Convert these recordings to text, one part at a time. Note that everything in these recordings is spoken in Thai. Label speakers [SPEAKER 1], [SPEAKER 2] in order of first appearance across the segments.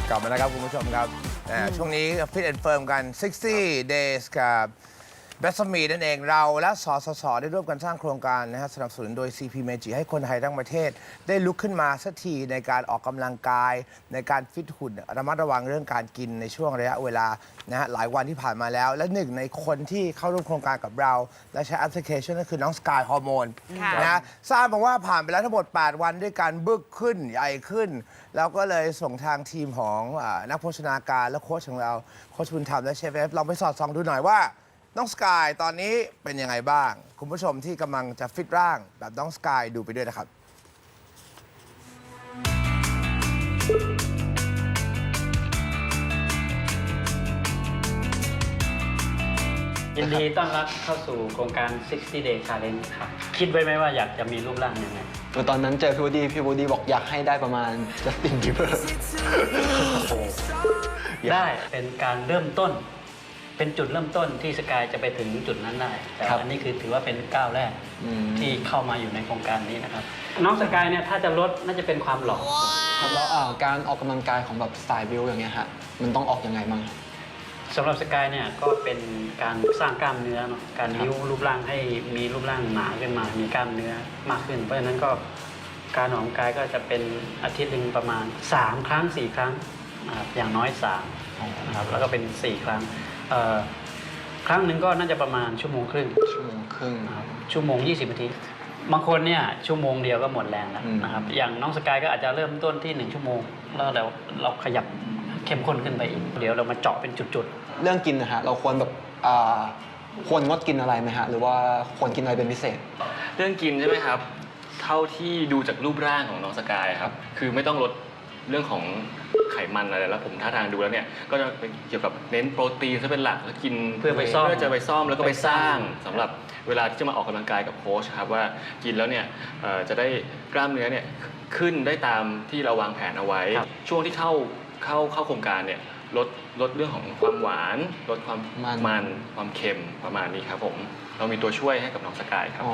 [SPEAKER 1] กลับมาแล้วครับคุณผู้ชมครับช่วงนี้ฟิตแอนด์เฟิร์มกัน 60 days กับเบสมีนั่นเองเราและสสสได้ร่วมกันสร้างโครงการนะฮะสนับสนุนโดย CP Meiji ให้คนไทยทั้งประเทศได้ลุกขึ้นมาสักทีในการออกกำลังกายในการฟิตหุ่นระมัดระวังเรื่องการกินในช่วงระยะเวลานะฮะหลายวันที่ผ่านมาแล้ว และหนึ่งในคนที่เข้าร่วมโครงการกับเรา และใช้แอปพลิเคชันก็คือน้องสกายฮอร์โมนนะทราบมาว่าผ่านไปแล้วทั้งหมด 8 วันด้วยการบึกขึ้นใหญ่ขึ้นแล้วก็เลยส่งทางทีมของนักโภชนาการและโค้ชของเราโค้ชบุญธรรมและเชฟเอฟเราไปสอดส่องดูหน่อยว่าน้องสกายตอนนี้เป็นยังไงบ้างคุณผู้ชมที่กำลังจะฟิตร่างแบบน้องสกายดูไปด้วยนะครับ
[SPEAKER 2] ยินดีต้อนรับเข้าสู่โครงการ 60 Day Challenge ครับ คิดไว้ไหมว่าอยากจะมีรูปร่างยังไง
[SPEAKER 3] ตอนนั้นเจอพี่วูดดี้บอกอยากให้ได้ประมาณจัสตินบีเบอร์
[SPEAKER 2] ได้เป็นการเริ่มต้น เป็นจุดเริ่มต้นที่สกายจะไปถึงจุดนั้นได้ แต่อันนี้คือถือว่าเป็นก้าวแรกที่เข้ามาอยู่ในโครงการนี้นะครับ น้องสกายเนี่ยถ้าจะลดน่าจะเป็นความหล่อ
[SPEAKER 3] ครับแล้วการออกกำลังกายของแบบสไตล์บิวอย่างเงี้ยฮะมันต้องออกยังไงบ้าง
[SPEAKER 2] สำหรับสกายเนี่ยก็เป็นการสร้างกล้ามเนื้อเนาะการบิ้วรูปร่างให้มีรูปร่างหนาขึ้นมา มีกล้ามเนื้อมากขึ้น เพราะฉะนั้นก็การออกกำลังกายก็จะเป็นอาทิตย์หนึ่งประมาณ3 ครั้ง 4 ครั้งนะครับอย่างน้อย3นะครับแล้วก็เป็น4 ครั้งครั้งหนึ่งก็น่าจะประมาณ1 ชั่วโมงครึ่งนะครับ1 ชั่วโมง 20 นาทีบางคนเนี่ยชั่วโมงเดียวก็หมดแรงแล้วนะครับอย่างน้องสกายก็อาจจะเริ่มต้นที่1 ชั่วโมงแล้วเราขยับเข้มข้นขึ้นไปอีกเดี๋ยวเรามาเจาะเป็นจุดๆ
[SPEAKER 3] เรื่องกินนะฮะเราควรแบบควรงดกินอะไรไหมฮะหรือว่าควรกินอะไรเป็นพิเศษ
[SPEAKER 4] เรื่องกินใช่ไหมครับเท่าที่ดูจากรูปร่างของน้องสกายครับคือไม่ต้องลดเรื่องของไขมันอะไรแล้วผมท่าทางดูแล้วเนี่ยก็จะเป็นเกี่ยวกับเน้นโปรตีนซะเป็นหลักแล้วกินเพื่อจะไปซ่อมแล้วก็ไปสร้างสำหรับเวลาที่จะมาออกกำลังกายกับโค้ชครับว่ากินแล้วเนี่ยจะได้กล้ามเนื้อเนี่ยขึ้นได้ตามที่เราวางแผนเอาไว้ช่วงที่เข้าโครงการเนี่ยลดเรื่องของความหวานลดความมันความเค็มประมาณนี้ครับผมเรามีตัวช่วยให้กับน้องสกายครับ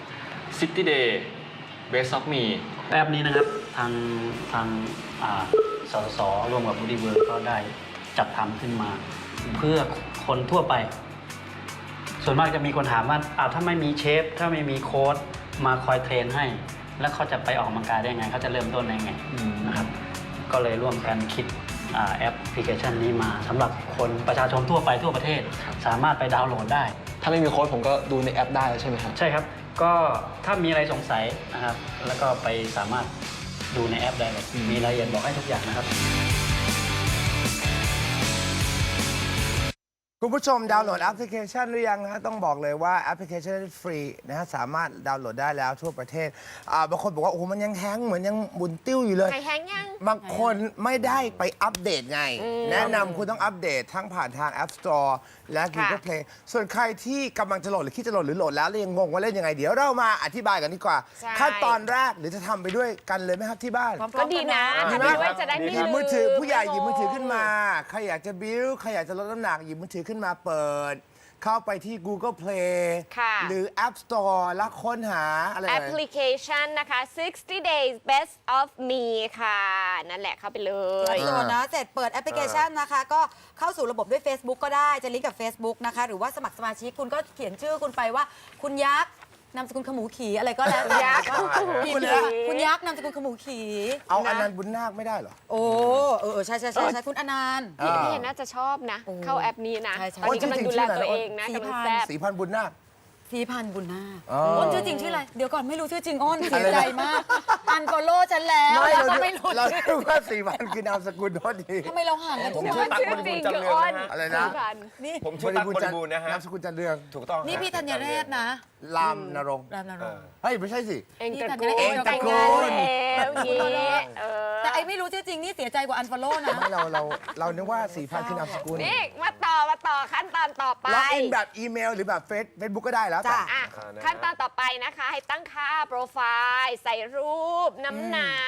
[SPEAKER 4] 60 Day Best of Me
[SPEAKER 2] แอปนี้นะครับทางสสสร่วมกับ Body World ก็ได้จัดทำขึ้นมาเพื่อคนทั่วไปส่วนมากจะมีคนถามว่าถ้าไม่มีเชฟถ้าไม่มีโค้ชมาคอยเทรนให้แล้วเขาจะไปออกกำลังกายได้ไงเขาจะเริ่มต้นได้ไงนะครับก็เลยร่วมกันคิดแอปพลิเคชันนี้มาสำหรับคนประชาชนทั่วไปทั่วประเทศสามารถไปดาวน์โหลดได้
[SPEAKER 3] ถ้าไม่มีโค้ชผมก็ดูในแอปได้ใช่ไหมครับ
[SPEAKER 2] ใช่ครับก็ถ้ามีอะไรสงสัยนะครับแล้วก็ไปสามารถดูในแอปได้เลยมีรายละเอียดบอกให้ทุกอย่างนะครับ
[SPEAKER 1] คุณผู้ชมดาวน์โหลดแอปพลิเคชันหรือยังนะต้องบอกเลยว่าแอปพลิเคชันฟรีนะฮะสามารถดาวน์โหลดได้แล้วทั่วประเทศบางคนบอกว่าโอ้โหมันยังแฮงก์เหมือนยังบุนติ้วอยู่เลย
[SPEAKER 5] ใครแฮงก์ยัง
[SPEAKER 1] บางคนไม่ได้ไปอัปเดตไงแนะนำคุณต้องอัปเดตทั้งผ่านทาง App Store และ Google Play ส่วนใครที่กำลังจะโหลดหรือคิดจะโหลดหรือโหลดแล้วยังงงว่าเล่นยังไงเดี๋ยวเรามาอธิบายกันดีกว่าขั้นตอนแรกหรือจะทำไปด้วยกันเลยไหมครับที่บ้าน
[SPEAKER 5] ก็ดีนะทำไปด้วยจะได้ไม่ลืม
[SPEAKER 1] มือถือผู้ใหญ่หยิบมือถือขึ้นมาใครอยากจะบิ้วใครอยากจะลดน้ำหนักหยิบมือถือขึ้นมาเปิดเข้าไปที่ Google Play หรือ App Store แล้วค้นหาอะไร
[SPEAKER 5] แอปพลิเคชันนะคะ 60 days best of me ค่ะนั่นแหละเข้าไปเลย
[SPEAKER 6] โหลดนะเสร็จเปิดแอปพลิเคชันนะคะก็เข้าสู่ระบบด้วย Facebook ก็ได้จะลิงก์กับ Facebook นะคะหรือว่าสมัครสมาชิกคุณก็เขียนชื่อคุณไปว่าคุณยักษ์นามสกุลขมูขี่อะไรก็แล้วแต่คุณยักษ์นามสกุลขมูขี่
[SPEAKER 1] เอาอนันต์บุญนาคไม่ได้เหรอ
[SPEAKER 6] โอ้ใช่คุณอนันต์
[SPEAKER 5] พี่น่าจะชอบนะเข้าแอปนี้นะตอนนี้กำลังดูแลตัวเองนะกำลังแซ่บ
[SPEAKER 1] 4,000 บุญนาค
[SPEAKER 6] 4,000 บุญนาคอ้นชื่อจริงชื่ออะไรเดี๋ยวก่อนไม่รู้ชื่อจริงอ้นเสียใจมากอันฟอลโล่ฉันแล้ว
[SPEAKER 1] ไม่รู้เราคิดว่า 4,000 คือนามสกุลโทษที
[SPEAKER 6] ทำไมเราห่างกัน
[SPEAKER 5] ผมชื่อตั๊กบริบูรณ์จันเรืองนะ
[SPEAKER 1] อะไรนะ
[SPEAKER 7] ผมชื่อตั๊กบริบูรณ์นะฮะ
[SPEAKER 1] นามสกุลจันเรือง
[SPEAKER 7] ถูกต้อง
[SPEAKER 6] นี่พี่ธัญเรศนะ
[SPEAKER 1] รามนรงค์เฮ้ยไม่ใช่สิ
[SPEAKER 5] เองตระกูล
[SPEAKER 6] แต่ไอ้ไม่รู้ชื่อจริงนี่เสียใจกว่าอันฟอลโล่นะ
[SPEAKER 1] เรานึกว่า 4,000 คือนามสกุล
[SPEAKER 5] นี่มาต่อขั้นตอนต่อไป
[SPEAKER 1] ล็อกอินแบบอีเมลหรือแบบเฟซบุ๊กก็ได้แล้ว
[SPEAKER 5] จ้ะขั้นตอนต่อไปนะคะให้ตั้งค่าโปรไฟล์ใส่รูปน้ำหนัก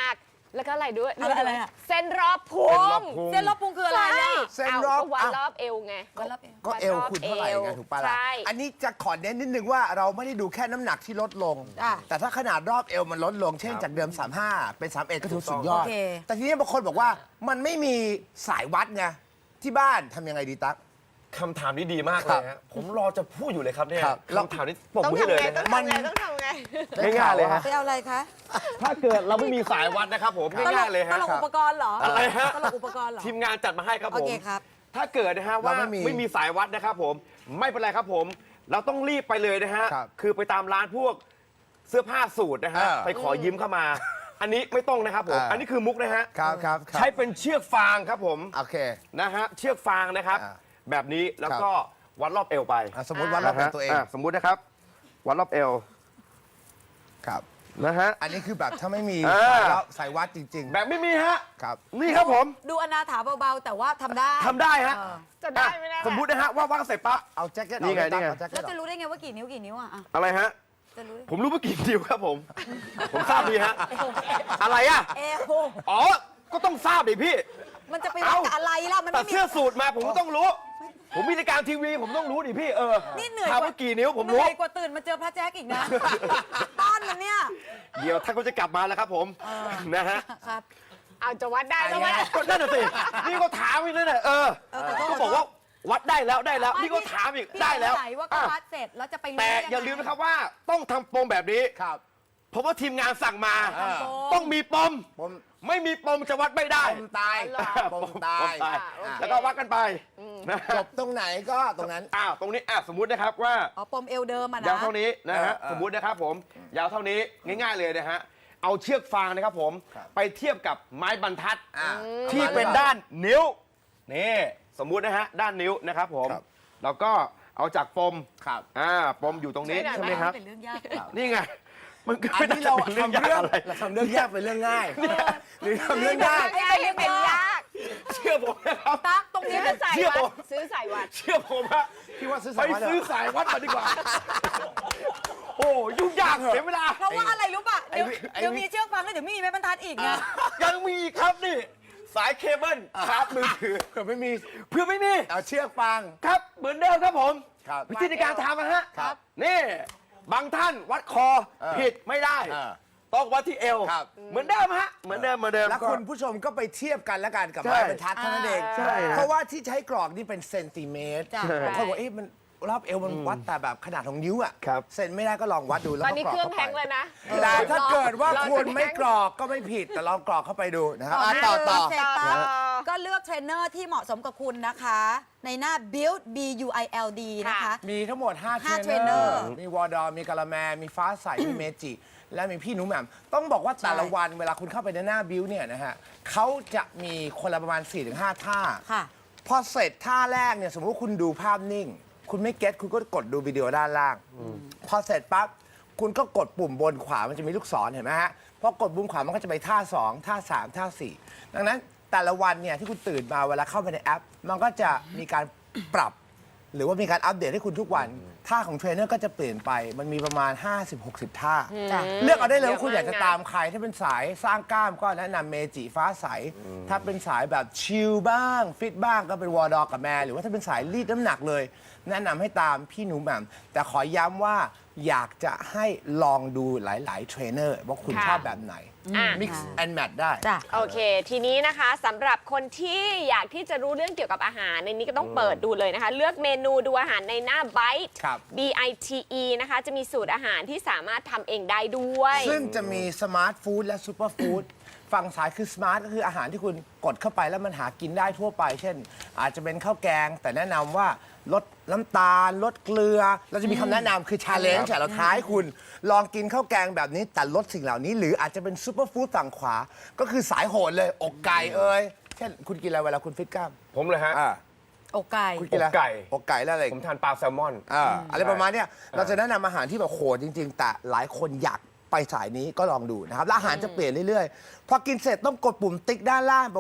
[SPEAKER 5] แล้วก็อะไรด้วย
[SPEAKER 6] อะไรอะ
[SPEAKER 5] เส้นรอบพุง
[SPEAKER 6] เส้นรอบพุงคืออะไรอ่ะ
[SPEAKER 1] เส้นรอบ
[SPEAKER 5] ก็วัดรอบเอวไง
[SPEAKER 1] ก็เอวคุณเท่าไหร่ไงถูกปะล่ะ
[SPEAKER 5] ใช่
[SPEAKER 1] อันนี้จะขอเน้นนิดนึงว่าเราไม่ได้ดูแค่น้ำหนักที่ลดลง
[SPEAKER 6] อ่ะ
[SPEAKER 1] แต่ถ้าขนาดรอบเอวมันลดลง เช่นจากเดิม 35 เป็น 31 ก็ถือสุดยอด
[SPEAKER 6] โอเค
[SPEAKER 1] แต่ทีนี้บางคนบอกว่ามันไม่มีสายวัดไงที่บ้านทำยังไงดีตั๊ก
[SPEAKER 7] คำถามนี้ดีมากเลยฮะผมรอจะพูดอยู่เลยครับเนี่ย
[SPEAKER 1] ครับ
[SPEAKER 7] คำถามนี้ปรบ
[SPEAKER 5] ต้อง
[SPEAKER 7] มือให้
[SPEAKER 5] ทำ
[SPEAKER 7] เลย
[SPEAKER 5] ไง
[SPEAKER 7] นะ
[SPEAKER 5] ต้อง
[SPEAKER 7] ฮะ
[SPEAKER 5] ทำไงต้องทำไง
[SPEAKER 7] ง่ายๆเลยฮะ
[SPEAKER 6] ไปเอาอะไรคะ
[SPEAKER 7] ถ้าเกิดเราไม่มีสายวัดนะครับผมง่ายๆเลย
[SPEAKER 6] ต
[SPEAKER 7] ฮะ
[SPEAKER 6] ลกอุปกรณ์เหรอ
[SPEAKER 7] อะไรฮะ
[SPEAKER 6] ตลกอุปกรณ์เหรอ
[SPEAKER 7] ทีมงานจัดมาให้ครับ
[SPEAKER 6] โอ
[SPEAKER 7] ผม
[SPEAKER 6] เคครับ
[SPEAKER 7] ถ้าเกิดนะฮะว่า
[SPEAKER 1] เราไม่มี
[SPEAKER 7] ไม่มีสายวัดนะครับผมไม่เป็นไรครับผม เราต้องรีบไปเลยนะฮะ
[SPEAKER 1] ครับ
[SPEAKER 7] คือไปตามร้านพวกเสื้อผ้าสูทนะฮะ ไปขอยืมเข้ามา อันนี้ไม่ต้องนะครับผม อันนี้คือมุกนะฮะ
[SPEAKER 1] ครับครับ
[SPEAKER 7] ใช้เป็นเชือกฟางครับผม
[SPEAKER 1] โอเค
[SPEAKER 7] นะฮะเชือกฟางนะครับ
[SPEAKER 1] อ่า
[SPEAKER 7] แบบนี้แล้วก็วัดรอบเอวไป
[SPEAKER 1] สมมติวัดรอบเอวตัวเอง
[SPEAKER 7] สมมุตินะครับ วัดรอบเอว
[SPEAKER 1] ครับ
[SPEAKER 7] นะฮะ
[SPEAKER 1] อันนี้คือแบบถ้าไม่มี
[SPEAKER 7] อ่า
[SPEAKER 1] สายวัดจริง
[SPEAKER 7] แบบไม่มีฮะ
[SPEAKER 1] ๆ ครับ
[SPEAKER 7] นี่ครับผม
[SPEAKER 6] ดูอนาถาเบาๆ แต่ว่าทำได้
[SPEAKER 7] ทำได้ฮะ
[SPEAKER 6] เออ
[SPEAKER 5] จะได้ไหมนะ
[SPEAKER 7] สมมุตินะฮะว่าว่างเสร็จปั๊บ
[SPEAKER 1] เอาแจ็คเก็ต
[SPEAKER 7] นี่ไง
[SPEAKER 1] ออกเลยตั๊ก
[SPEAKER 7] นี่ไง
[SPEAKER 1] เอาแจ็คเก็
[SPEAKER 6] แล้ว
[SPEAKER 1] ตอ
[SPEAKER 6] จะ
[SPEAKER 1] อก
[SPEAKER 6] รู้ได้ไงว่ากี่นิ้วอ่ะ
[SPEAKER 7] อะไรฮะ
[SPEAKER 6] จะรู้ได้
[SPEAKER 7] ผมรู้ว่ากี่นิ้วครับผม ผมทราบดีฮะ อะไรอ่ะ
[SPEAKER 6] เอว
[SPEAKER 7] อ๋อ ก็ต้องทราบดิพี่
[SPEAKER 6] มันจะไปวัดกับอะไรล่ะ มัน
[SPEAKER 7] แต่
[SPEAKER 6] ไม่มี
[SPEAKER 7] เสื้อสูทมาผมก็ต้องรู้ ผมมีรายการทีวีผมต้องรู้ดิพี่
[SPEAKER 6] นี่เหนื่อย
[SPEAKER 7] ถามว่ากี่นิ้วผมรู้
[SPEAKER 6] เหนื่อยกว่าตื่นมาเจอพระแจ๊กอีกนะ ต้อนมันเนี่ย
[SPEAKER 7] เดี๋ยวท่านก็จะกลับมาแล้วครับผม นะฮะ
[SPEAKER 6] ครับ
[SPEAKER 5] เอาจะวัดได้แล้วไหม
[SPEAKER 7] ก็นั่นน่ะสิ นี่ก็ถามอีกนั่นแหละก็บอกว่าวัดได้แล้วได้แล้ว นี่ก็ถามอีก
[SPEAKER 6] พี่
[SPEAKER 7] ได้แล้ว
[SPEAKER 6] สงสัยว่าก็วัดเสร็จแล้วจะไปรู้
[SPEAKER 7] แต่
[SPEAKER 6] ได้งไง
[SPEAKER 7] อย่าลืมนะครับว่าต้องทำปมแบบนี้
[SPEAKER 1] ครับ
[SPEAKER 7] เพราะว่าทีมงานสั่งมา
[SPEAKER 1] อ่า
[SPEAKER 7] ต้องมีปม
[SPEAKER 1] ผม
[SPEAKER 7] ไม่มีปมจะวัดไม่ได้
[SPEAKER 1] ปมตายปมตาย
[SPEAKER 7] ปม
[SPEAKER 1] อ่ะ
[SPEAKER 7] แล้วก็วัดกันไปนะ
[SPEAKER 1] จบตรงไหนก็ตรงนั้น
[SPEAKER 7] ตรงนี้สมมุตินะครับว่า
[SPEAKER 6] อ๋อปมเอวเดิมอ่ะนะ
[SPEAKER 7] ยาวเท่านี้นะฮะ
[SPEAKER 1] เออ
[SPEAKER 7] สมมุตินะครับผมยาวเท่านี้ง่ายๆเลยนะฮะเอาเชือกฟางนะครับผม
[SPEAKER 1] ครับ
[SPEAKER 7] ไปเทียบกับไม้บรรทัด
[SPEAKER 1] อ่า
[SPEAKER 7] ที่เป็นด้านนิ้วนี่สมมุตินะฮะด้านนิ้วนะครับผม
[SPEAKER 1] ครับ
[SPEAKER 7] แล้วก็เอาจากปม
[SPEAKER 1] ครับ
[SPEAKER 7] ปมอยู่ตรงนี้
[SPEAKER 5] ไม่ได้
[SPEAKER 7] ใช่ไหมครับ
[SPEAKER 6] เป็นเรื่องยาก
[SPEAKER 7] นี่ไงมันก็
[SPEAKER 1] อัน
[SPEAKER 7] ไม่ได้
[SPEAKER 1] นี้เรา
[SPEAKER 7] เป็นเรื่อง
[SPEAKER 1] ทำ
[SPEAKER 7] ยาก
[SPEAKER 1] เรื่อง
[SPEAKER 7] อะไร
[SPEAKER 1] เราทำเรื่องยากเป็นเรื่องง่าย หรือทำเรื่องยาก
[SPEAKER 5] ง่ายยังเป็นยาก
[SPEAKER 7] เชื่อผมนะครับ
[SPEAKER 6] ตั๊กตรงนี้
[SPEAKER 5] ซื้อ
[SPEAKER 6] เป็น
[SPEAKER 5] สาย
[SPEAKER 7] เชื่อ
[SPEAKER 5] วั
[SPEAKER 7] ผ
[SPEAKER 5] ด
[SPEAKER 7] ม
[SPEAKER 5] ซื้อสายวัด
[SPEAKER 7] เชื่อผมฮะ
[SPEAKER 1] พี่ว่าซื้อ
[SPEAKER 7] ไป
[SPEAKER 1] สายวัดเหร
[SPEAKER 7] ซื้อสายวัดมาดีกว่า โอ้ยุ่งยากเสียเวลา
[SPEAKER 6] เพราะว่าอะไรรู้ป่ะ เดี๋ยว
[SPEAKER 1] ไอ้
[SPEAKER 6] เดี๋ยวมีเชือกฟางแล้วเดี๋ยวมีไม้บรรทัดอีกไง
[SPEAKER 7] ยังมีอีกครับนี่ สายเคเบิลชาร์จมือถือ
[SPEAKER 1] เผื่อไม่มี
[SPEAKER 7] เพื่อไม่มี
[SPEAKER 1] เอาเชือกฟาง
[SPEAKER 7] ครับเหมือนเดิมครับผม
[SPEAKER 1] ครับ
[SPEAKER 7] วิธีในการทำนะฮะ
[SPEAKER 1] ครับ
[SPEAKER 7] นี่บางท่านวัดคอผิดไม่ได้
[SPEAKER 1] เออ
[SPEAKER 7] ต้องวัดที่เอว
[SPEAKER 1] ครับ
[SPEAKER 7] เหมือนเดิมฮะเหมือนเดิมเหมือนเดิม
[SPEAKER 1] แล้วคุณผู้ชมก็ไปเทียบกันแล้วกันกับ
[SPEAKER 7] ใช่
[SPEAKER 1] ไม้บรรทัดเท่านั้นเอง
[SPEAKER 7] ใช่ฮะ
[SPEAKER 1] เพราะว่าที่ใช้กรอกนี่เป็นเซนติเมตร
[SPEAKER 6] จ้ะ
[SPEAKER 1] บางคนบอกมันรอบเอวมันวัดแต่แบบขนาดของนิ้วอ่ะ
[SPEAKER 7] ครับ
[SPEAKER 1] เซนไม่ได้ก็ลองวัดดูแล้ว
[SPEAKER 5] ตอ
[SPEAKER 1] ก็
[SPEAKER 5] นนี้
[SPEAKER 1] กรอก
[SPEAKER 5] เครื่อง
[SPEAKER 1] เข้า
[SPEAKER 5] แพง
[SPEAKER 1] ไป
[SPEAKER 5] เลยนะ
[SPEAKER 1] แต่ถ้าเกิดว่า
[SPEAKER 5] อ
[SPEAKER 1] คุณไม่
[SPEAKER 5] แพง
[SPEAKER 1] กรอกก็ไม่ผิดแต่ลองกรอกเข้าไปดูนะครับ
[SPEAKER 6] ต่อ
[SPEAKER 1] ต่อ
[SPEAKER 6] เสร็จปั๊บ
[SPEAKER 5] ต่อ
[SPEAKER 6] ก็เลือกเทรนเนอร์ที่เหมาะสมกับคุณนะคะ ในหน้า build b u i l d นะคะ
[SPEAKER 1] มีทั้งหมด 5
[SPEAKER 6] ห้า
[SPEAKER 1] เทรน
[SPEAKER 6] เทรน
[SPEAKER 1] เน
[SPEAKER 6] เน
[SPEAKER 1] อ
[SPEAKER 6] อร์
[SPEAKER 1] ร์ มีวอร์ดอมีกาละแม มีฟ้าใส มีเมจิ และมีพี่หนูแหม่มต้องบอกว่าแต่ละวันเวลาคุณเข้าไปในหน้าบิวเนี่ยนะฮะเขาจะมีคนละประมาณ 4-5 ท่า
[SPEAKER 6] ค่ะ
[SPEAKER 1] พอเสร็จท่าแรกเนี่ยสมมติว่าคุณดูภาพนิ่ง คุณไม่เก็ตคุณก็กดดูวิดีโอด้านล่าง พอเสร็จปั๊บคุณก็กดปุ่มบนขวามันจะมีลูกศรเห็นไหมฮะพอกดปุ่มขวามันก็จะไปท่า 2 ท่า 3 ท่า 4 ดังนั้นแต่ละวันเนี่ยที่คุณตื่นมาเวลาเข้าไปในแอป มันก็จะมีการปรับ หรือว่ามีการอัปเดตให้คุณทุกวัน ท่าของเทรนเนอร์ก็จะเปลี่ยนไป มันมีประมาณ 50-60 ท่า
[SPEAKER 6] จ้ะ
[SPEAKER 1] เลือกเอาได้เลยว่าคุณ
[SPEAKER 5] เย
[SPEAKER 1] อ
[SPEAKER 5] อะมาก
[SPEAKER 1] ยากจะตามใคร ถ้าเป็นสายสร้างกล้ามก็แนะนำเมจิฟ้าใส ถ้าเป็นสายแบบชิลบ้าง ฟิตบ้างก็เป็นวอร์ดอกับแมร์หรือว่าถ้าเป็นสายรีดน้ำหนักเลย แนะนำให้ตามพี่หนูแหม่มแต่ขอย้ำว่าอยากจะให้ลองดูหลายๆเทรนเนอร์ว่าคุณ
[SPEAKER 5] ค่ะ
[SPEAKER 1] ชอบแบบไหน
[SPEAKER 5] อ่ะ
[SPEAKER 1] mix and match ได้
[SPEAKER 6] จ้ะ
[SPEAKER 5] โอเค ทีนี้นะคะสำหรับคนที่อยากที่จะรู้เรื่องเกี่ยวกับอาหารในนี้ก็ต้องเปิดดูเลยนะคะ เลือกเมนูดูอาหารในหน้า Bite
[SPEAKER 1] ครับ
[SPEAKER 5] BITE นะคะ จะมีสูตรอาหารที่สามารถทำเองได้ด้วย
[SPEAKER 1] ซึ่งจะมีสมาร์ทฟู้ดและซูเปอร์ฟู้ดฝั่งซ้ายคือสมาร์ทก็คืออาหารที่คุณกดเข้าไปแล้วมันหากินได้ทั่วไป เช่น อาจจะเป็นข้าวแกง แต่แนะนำว่าลดน้ำตาล ลดเกลือ เราจะมีคำแนะนำคือชาเลนจ์เราท้ายคุณ ลองกินข้าวแกงแบบนี้แต่ลดสิ่งเหล่านี้ หรืออาจจะเป็นซูเปอร์ฟู้ดฝั่งขวา ก็คือสายโหดเลยอกไก่เอ่ยเช่นคุณกินอะไรเวลาคุณฟิตกล้าม
[SPEAKER 7] ผมเลยฮะ
[SPEAKER 6] อกไก่
[SPEAKER 1] คุณกินอะไร
[SPEAKER 7] อกไก่
[SPEAKER 1] อกไก่แล้วอะไร
[SPEAKER 7] ผมทานปลาแซลมอน
[SPEAKER 1] อะไรประมาณเนี้ยเราจะแนะนำอาหารที่แบบโหดจริง ๆ แต่หลายคนอยากไปสายนี้ก็ลองดูนะครับแล้วอาหารจะเปลี่ยนเรื่อยๆ พอกินเสร็จต้องกดปุ่มติ๊กด้านล่างแปลว่า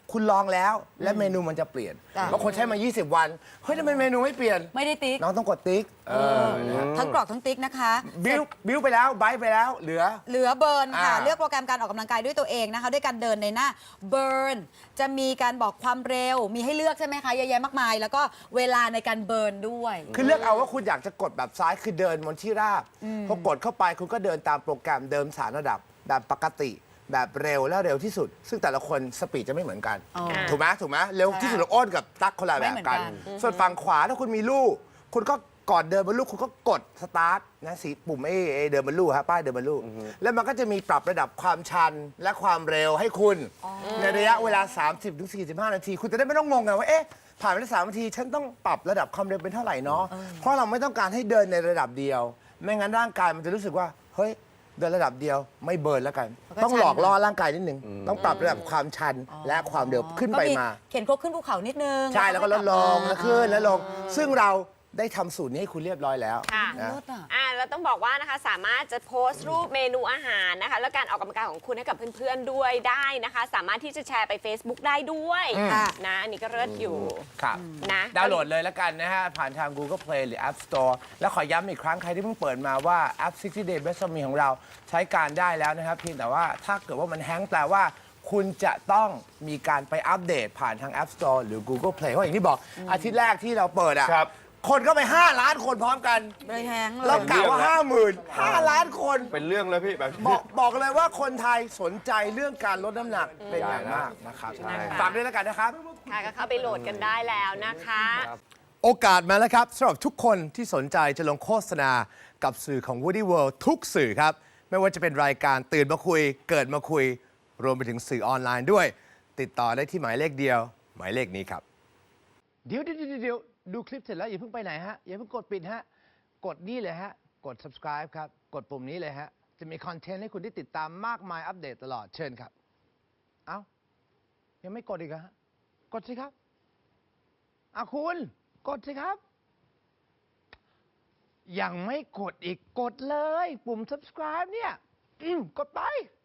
[SPEAKER 1] คุณลองแล้วและเมนูมันจะเปลี่ยน
[SPEAKER 6] จ้ะ
[SPEAKER 1] บางคนใช้มา 20 วันเฮ้ยทำไมเมนูไม่เปลี่ยน
[SPEAKER 6] ไม่ได้ติ๊ก
[SPEAKER 1] น้องต้องกดติ๊กนะฮะ
[SPEAKER 6] ทั้งกรอกทั้งติ๊กนะคะ
[SPEAKER 1] บิ้วไปแล้วไบต์ไปแล้วเหลือ
[SPEAKER 6] เหลือเบิร์นค่ะ
[SPEAKER 1] อ่า
[SPEAKER 6] เลือกโปรแกรมการออกกำลังกายด้วยตัวเองนะคะ ด้วยการเดินในหน้าเบิร์นจะมีการบอกความเร็ว มีให้เลือกใช่ไหมคะเยอะแยะมากมาย แล้วก็เวลาในการเบิร์นด้วย
[SPEAKER 1] คือเลือกเอาว่าคุณอยากจะกดแบบซ้ายคือเดินบนที่ราบพอกดเข้าไปคุณก็เดินตามโปรแกรมเดิม3 ระดับแบบปกติแบบเร็วและเร็วที่สุด ซึ่งแต่ละคนสปีดจะไม่เหมือนกัน
[SPEAKER 6] อ๋อ
[SPEAKER 1] ถูกไหมถูกไหมเร็วที่สุดเราอ้นกับตั๊กคนละแบบ
[SPEAKER 6] ไม่เหมือนกั
[SPEAKER 1] กัน น ส่วนฝั่งขวาถ้าคุณมีลูก คุณก็ก่อนเดินบนลูกคุณก็กดสตาร์ทนะสีปุ่มไอ้เดินบนลูกฮะป้ายเดินบนลูกแล้วมันก็จะมีปรับระดับความชันและความเร็วให้คุณในระยะเวลา 30-45 นาที คุณจะได้ไม่ต้องงงไงว่าเอ๊ะผ่านไปได้3 นาทีฉันต้องปรับระดับความเร็วเป็นเท่าไหร่เนาะเพราะเราไม่ต้องการให้เดินในระดับเดียว ไม่งั้นร่างกายมันจะรู้สึกว่าเฮ้ยเดินระดับเดียวไม่เบิร์นแล้วกัน
[SPEAKER 6] มันก็
[SPEAKER 1] ต้องหลอก
[SPEAKER 6] ชัน
[SPEAKER 1] ล่อร่างกายนิดนึงต้องปรับระดับความชันและความเร็วขึ้นไปมา
[SPEAKER 6] เข็นครกขึ้นภูเขานิดนึง
[SPEAKER 1] ใช่แล้วก็ลดลง
[SPEAKER 6] ให้
[SPEAKER 1] แล้ว
[SPEAKER 6] กบ
[SPEAKER 1] ขึ้นแล้วลง ซึ่งเราได้ทำสูตรนี้ให้คุณเรียบร้อยแล้ว
[SPEAKER 5] ค่ะ
[SPEAKER 1] นะ
[SPEAKER 6] ลดอ่ะ
[SPEAKER 5] แล้วต้องบอกว่านะคะสามารถจะโพสต์รูปเมนูอาหารนะคะ แล้วการออกกำลังกายของคุณให้กับเพื่อนๆด้วยได้นะคะ สามารถที่จะแชร์ไป Facebook ได้ด้วย
[SPEAKER 6] ค่ะ
[SPEAKER 5] นะอันนี้ก็เลิศอยู่
[SPEAKER 1] ครับ
[SPEAKER 5] นะ
[SPEAKER 1] ดาวน์โหลดเลยแล้วกันนะฮะ ผ่านทาง Google Play หรือ App Store แล้วขอย้ำอีกครั้ง ใครที่เพิ่งเปิดมาว่าแอป 60 Day Best of Me ของเราใช้การได้แล้วนะครับเพียงแต่ว่าถ้าเกิดว่ามันแฮงก์แปลว่า คุณจะต้องมีการไปอัปเดตผ่านทาง App Store หรือ Google Play เพราะอย่างที่บอกอาทิตย์แรกที่เราเปิดอ่ะ
[SPEAKER 7] ครับ
[SPEAKER 1] คนก็ไป 5 ล้านคนพร้อมกัน
[SPEAKER 6] เลยแฮงก์เล
[SPEAKER 1] เรา
[SPEAKER 6] ย
[SPEAKER 1] กะว่า 5 ล้านคน
[SPEAKER 7] เป็นเรื่องเลยพี่แบบ
[SPEAKER 1] บอกเลยว่าคนไทยสนใจเรื่องการลดน้ำหนักเป็นอย่างมากนะครับ
[SPEAKER 7] ใช่
[SPEAKER 1] ฝากด้วยแล้วกันนะครับ
[SPEAKER 5] ค่ะก็เข้าไปโหลดกันได้แล้วนะคะ
[SPEAKER 1] โอกาสมาแล้วครับสำหรับทุกคนที่สนใจจะลงโฆษณากับสื่อของ Woody World ทุกสื่อครับ ไม่ว่าจะเป็นรายการตื่นมาคุย เกิดมาคุย รวมไปถึงสื่อออนไลน์ด้วย ติดต่อได้ที่หมายเลขเดียว หมายเลขนี้ครับ เดี๋ยวดูคลิปเสร็จแล้วอย่าเพิ่งไปไหนฮะ อย่าเพิ่งกดปิดฮะ กดนี่เลยฮะ กด subscribe ครับ กดปุ่มนี้เลยฮะ จะมีคอนเทนต์ให้คุณได้ติดตามมากมายอัปเดตตลอดเชิญครับ เอ้า ยังไม่กดอีกเหรอฮะ กดสิครับคุณ กดสิครับ ยังไม่กดอีกกดเลย ปุ่ม subscribe เนี่ย กดไป